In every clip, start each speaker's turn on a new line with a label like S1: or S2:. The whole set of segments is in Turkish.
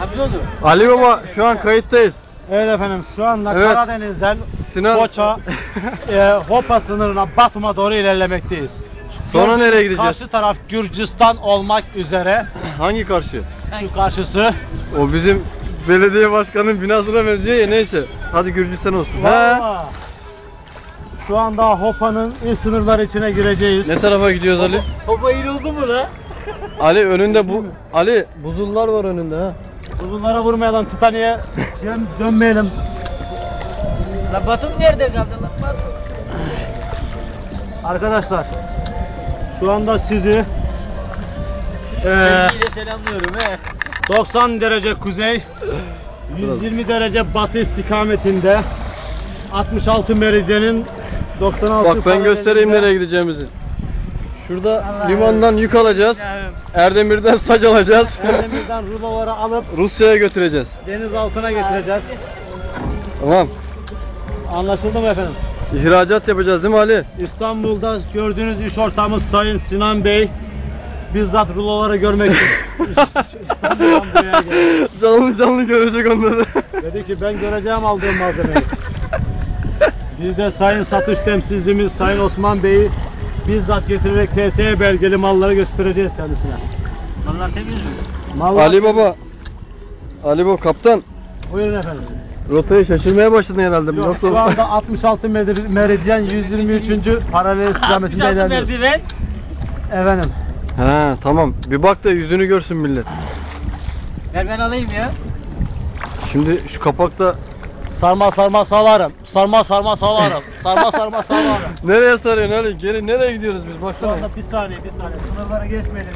S1: Yardımcı oldu.
S2: Ali Baba şu an kayıttayız.
S3: Evet efendim, şu anda
S2: Evet.
S3: Karadeniz'den
S2: Sinan.
S3: Foça, Hopa sınırına, Batum'a doğru ilerlemekteyiz.
S2: Sonra nereye gideceğiz?
S3: Karşı taraf Gürcistan olmak üzere.
S2: Hangi karşı?
S3: Şu karşısı.
S2: O bizim belediye başkanının binasına benziyor ya, neyse. Hadi Gürcistan olsun. He.
S3: Vallahi. Şu anda Hopa'nın il sınırları içine gireceğiz.
S2: Ne tarafa gidiyoruz Ali?
S1: Topa iyi oldu mu la?
S2: Ali önünde bu Ali buzullar var önünde ha.
S3: Bunlara vurmayalım, Titaniye dönmeyelim.
S1: La Batum nerede kaldı la Batum?
S3: Arkadaşlar, şu anda sizi
S1: Sevgiyle selamlıyorum he.
S3: 90 derece kuzey, 120 derece batı istikametinde 66 meridyenin 96
S2: Bak ben göstereyim nereye gideceğimizi. Şurada limandan yük alacağız. Erdemir'den saç alacağız.
S3: Erdemir'den ruloları alıp
S2: Rusya'ya götüreceğiz.
S3: deniz altına getireceğiz.
S2: Tamam.
S3: Anlaşıldı mı efendim?
S2: İhracat yapacağız değil mi Ali?
S3: İstanbul'da gördüğünüz iş ortağımız Sayın Sinan Bey bizzat ruloları görmek için İstanbul'dan buraya geldi.
S2: Canlı görecek onları.
S3: Dedi ki ben göreceğim aldığım malzemeyi. Biz de Sayın Satış Temsilcimiz Sayın Osman Bey'i bizzat getirerek TSE belgeli malları göstereceğiz kendisine.
S1: Mallar temiz mi?
S3: Mallar...
S2: Ali Baba kaptan.
S3: Buyurun efendim.
S2: Rotayı şaşırmaya başladın herhalde.
S3: Yok,
S2: Yoksa
S3: şu anda 66 meridyen 123. paralel istikametinde
S1: 66
S3: ilerliyoruz.
S1: merdiven.
S3: Efendim.
S2: He tamam. Bir bak da yüzünü görsün millet.
S1: Ver ben alayım ya.
S2: Şimdi şu kapakta
S3: Sarma salarım. Sarma salarım. Sarma salarım.
S2: nereye sarıyorsun Ali? Geri nereye gidiyoruz biz?
S3: Şu
S2: Baksana.
S3: anda bir saniye. Sınırları geçmeyelim.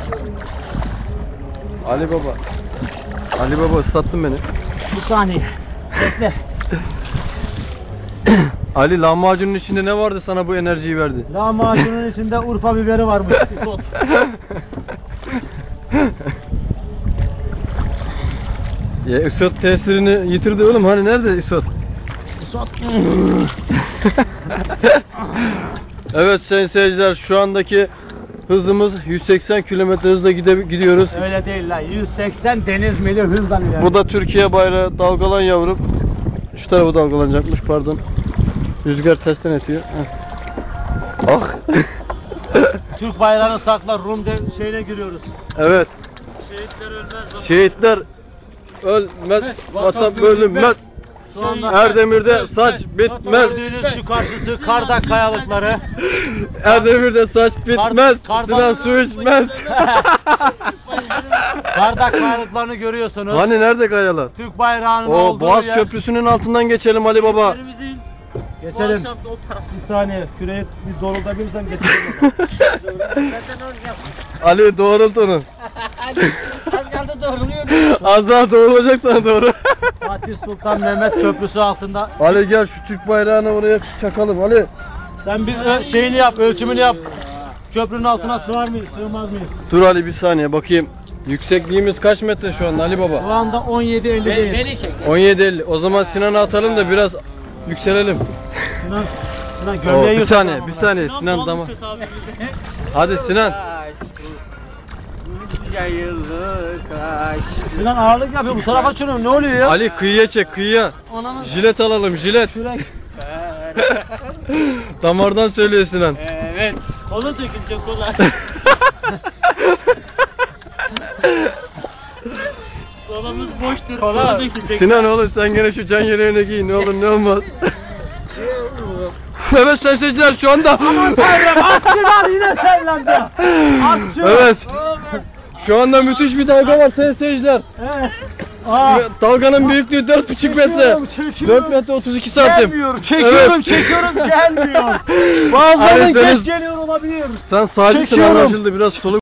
S2: Ali Baba ıslattın beni.
S3: Bir saniye. Bekle.
S2: Ali lahmacunun içinde ne vardı sana bu enerjiyi verdi?
S3: Lahmacunun içinde Urfa biberi varmış. Isot.
S2: Ya isot tesirini yitirdi oğlum. Hani nerede isot?
S3: Isot.
S2: Evet sayın seyirciler, şu andaki hızımız 180 km hızla gidiyoruz.
S3: Öyle değil lan. 180 deniz mili hızla ilerliyor.
S2: Bu da Türkiye bayrağı, dalgalan yavrum. Şu tarafı dalgalanacakmış, pardon. Rüzgar tersten etiyor. Heh. Ah.
S3: Türk bayrağını sakla, Rum şeyine giriyoruz.
S2: Evet.
S3: Şehitler ölmez.
S2: Şehitler ölmez, vatan bölünmez.
S3: Şu anda
S2: Erdemir'de saç bitmez.
S3: gördüğünüz şu karşısı Kardak kayalıkları.
S2: Erdemir'de saç bitmez.
S3: Kardan-
S2: Sinan su içmez.
S3: Kardak kayalıklarını görüyorsunuz.
S2: Hani nerede kayalar?
S3: Türk bayrağının
S2: O
S3: olduğu
S2: Boğaz
S3: yer.
S2: Köprüsü'nün altından geçelim Ali Baba.
S1: Evimizin
S3: Geçelim.
S1: bu akşam da o taraf.
S3: Bir saniye. Küreği bir doğrultabilirsem geçelim.
S1: Zaten olacak.
S2: Ali doğrult onu.
S1: Az kaldı doğruluyor.
S2: Az daha doğrulacak sana doğru.
S3: Fatih Sultan Mehmet Köprüsü altında.
S2: Ali gel şu Türk bayrağını oraya çakalım Ali.
S3: Sen bir şeyini yap, ölçümünü yap. Köprünün altına sığar mıyız, sığmaz mıyız?
S2: Dur Ali bir saniye bakayım. Yüksekliğimiz kaç metre şu anda Ali Baba?
S3: Şu anda 17.50'deyiz.
S1: Beni çek.
S2: 17.50. O zaman Sinan'ı atalım da biraz yükselelim.
S3: Sinan
S2: Oo,
S3: gömleği
S2: bir
S3: yurt.
S2: saniye, bir saniye Sinan tamam. Hadi Sinan.
S1: Yayılı kaş.
S3: Sinan ağırlık yapıyor, bu tarafa açıyorum, ne oluyor ya?
S2: Ali kıyıya çek, kıyıya.
S3: Ananı
S2: Jilet alalım, jilet.
S3: kürek.
S2: Damardan söylüyor Sinan.
S1: Evet. Kola dökülecek kola. Kolamız boştur. Kola dökülecek.
S2: Sinan oğlum sen gene şu can yeleğini giy, ne olur ne olmaz. Evet sayın seyirciler şu anda.
S3: Aman tanrım, atçılar yine sellendi. Atçı.
S2: Evet. Şu anda müthiş bir dalga var sayın seyirciler.
S3: Evet. Aa,
S2: Dalganın büyüklüğü 4,5 metre.
S3: çekiyorum.
S2: 4 metre 32 santim.
S3: gelmiyor. Çekiyorum, çekiyorum, gelmiyor. Bazılarının
S2: Ali,
S3: geç
S2: senin-
S3: geliyor olabilir.
S2: Sen sağcısın
S3: Çekiyorum.
S2: anlaşıldı, biraz soluk.